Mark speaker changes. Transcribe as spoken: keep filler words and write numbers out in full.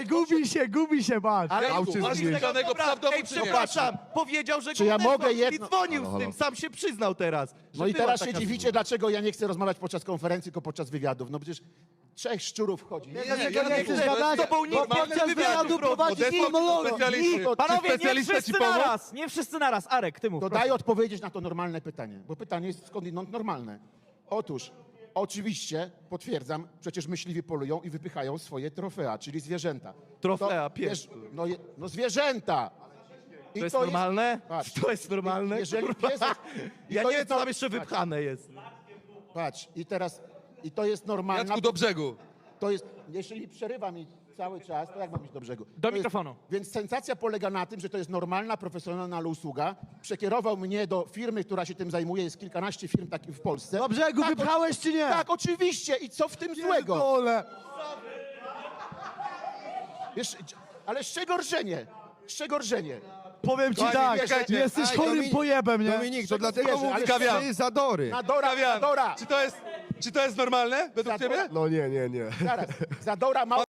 Speaker 1: Nie, gubi się, gubi się, patrz.
Speaker 2: Ale
Speaker 3: Autyzm
Speaker 2: on
Speaker 3: jest.
Speaker 2: żadnego
Speaker 4: Dobra,
Speaker 2: psa w domu,
Speaker 4: ej,
Speaker 2: czy nie?
Speaker 4: przepraszam, powiedział, że
Speaker 5: Czy
Speaker 4: go
Speaker 5: ja
Speaker 4: odezwał,
Speaker 5: mogę
Speaker 4: czyli
Speaker 5: jedno-
Speaker 4: dzwonił
Speaker 3: Halo,
Speaker 4: z
Speaker 3: halo.
Speaker 4: tym, sam się przyznał teraz. że
Speaker 5: No i
Speaker 4: była
Speaker 5: teraz
Speaker 4: taka
Speaker 5: się dziwicie, dlaczego ja nie chcę rozmawiać podczas konferencji, tylko podczas wywiadów. No przecież trzech szczurów wchodzi. Nie,
Speaker 1: Dlaczego
Speaker 2: ja
Speaker 1: nie
Speaker 2: nie
Speaker 1: chcesz
Speaker 2: chcę,
Speaker 1: gadać?
Speaker 4: z tobą
Speaker 1: Bo
Speaker 4: nikt nie
Speaker 1: podczas
Speaker 4: chce
Speaker 1: wywiadu
Speaker 4: wywiadów
Speaker 1: prowadzi
Speaker 2: Odesłał cię do
Speaker 1: monolog.
Speaker 2: specjalisty.
Speaker 5: Nikt.
Speaker 1: Panowie, nie
Speaker 2: Specjalista
Speaker 1: wszyscy
Speaker 2: ci pomógł?
Speaker 1: naraz, nie wszyscy naraz. Arek, ty mów.
Speaker 5: To
Speaker 1: proszę.
Speaker 5: daj odpowiedzieć na to normalne pytanie, bo pytanie jest skądinąd normalne. Otóż, oczywiście, potwierdzam, przecież myśliwi polują i wypychają swoje trofea, czyli zwierzęta.
Speaker 4: Trofea,
Speaker 5: To,
Speaker 4: pies.
Speaker 5: wiesz, no, je- no zwierzęta! I
Speaker 4: To jest normalne?
Speaker 5: patrz,
Speaker 4: To jest normalne?
Speaker 5: jeżeli
Speaker 4: kurwa?
Speaker 5: pies... i
Speaker 4: Ja
Speaker 5: to
Speaker 4: nie wiem,
Speaker 5: jest
Speaker 4: co
Speaker 5: no-
Speaker 4: tam jeszcze
Speaker 5: patrz,
Speaker 4: wypchane jest.
Speaker 5: Patrz, i teraz, i to jest normalna...
Speaker 2: Jacku, do brzegu.
Speaker 5: To jest, jeżeli przerywa mi cały czas, to jak mam iść do brzegu?
Speaker 1: Do
Speaker 5: To
Speaker 1: mikrofonu.
Speaker 5: Jest, więc sensacja polega na tym, że to jest normalna, profesjonalna usługa. Przekierował mnie do firmy, która się tym zajmuje. Jest kilkanaście firm takich w Polsce.
Speaker 1: Do brzegu
Speaker 5: Tak,
Speaker 1: wypchałeś czy nie?
Speaker 5: Tak, oczywiście. I co w tym złego?
Speaker 1: Pierdolę.
Speaker 5: Wiesz, ale z czego rżenie? Z czego rżenie?
Speaker 1: Powiem ci
Speaker 2: Kochani,
Speaker 1: tak,
Speaker 2: czekajcie.
Speaker 1: jesteś
Speaker 3: Aj,
Speaker 1: chorym
Speaker 3: Dominik-
Speaker 1: pojebem, nie?
Speaker 3: Dominik, to
Speaker 5: Czego
Speaker 3: dlatego
Speaker 5: zwierzę,
Speaker 3: mówię,
Speaker 5: ale
Speaker 2: Kawian.
Speaker 3: że zadory.
Speaker 5: Nadora,
Speaker 2: Kawian,
Speaker 5: Zadora.
Speaker 2: czy to jest, czy to jest normalne według
Speaker 5: Zadora.
Speaker 2: ciebie?
Speaker 3: No nie, nie, nie.
Speaker 5: Zaraz. Zadora ma